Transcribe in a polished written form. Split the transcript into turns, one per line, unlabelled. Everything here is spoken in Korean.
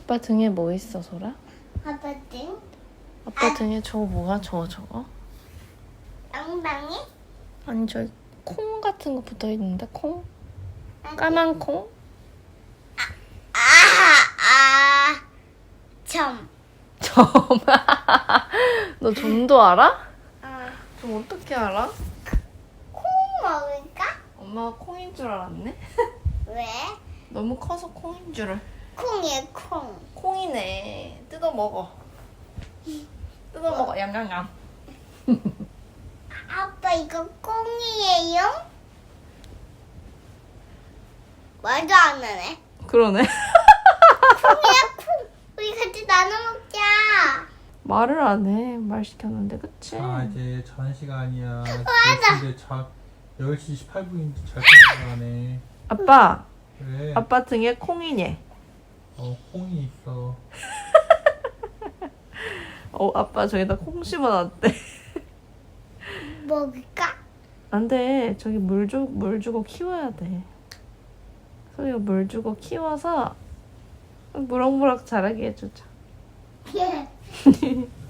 아빠 등에 뭐 있어, 소라?
아빠 등?
아빠 등에 저거 뭐야, 저거?
엉덩이?
아니, 저기 콩 같은 거 붙어 있는데, 콩? 까만 콩?
점.
점. 너 점도 알아?
어.
좀 어떻게 알아?
콩 먹을까?
엄마가 콩인 줄 알았네?
왜?
너무 커서 콩인 줄을.
콩이야, 콩.
콩이네. 뜯어 먹어. 뜯어 먹어. 얌얌얌.
아빠, 이거 콩이에요? 말도 안 하네.
그러네.
콩이야, 콩. 우리 같이 나눠 먹자.
말을 안 해. 말 시켰는데, 그치?
아 이제 자는 시간이야.
맞아.
10시 18분인데 잘 시간에.
아빠.
왜?
아빠 등에 콩이네.
콩이 있어.
아빠 저기다 콩 심어놨대.
먹을까?
안 돼. 저기 물 주고 키워야 돼. 소리가 물 주고 키워서 무럭무럭 자라게 해주자.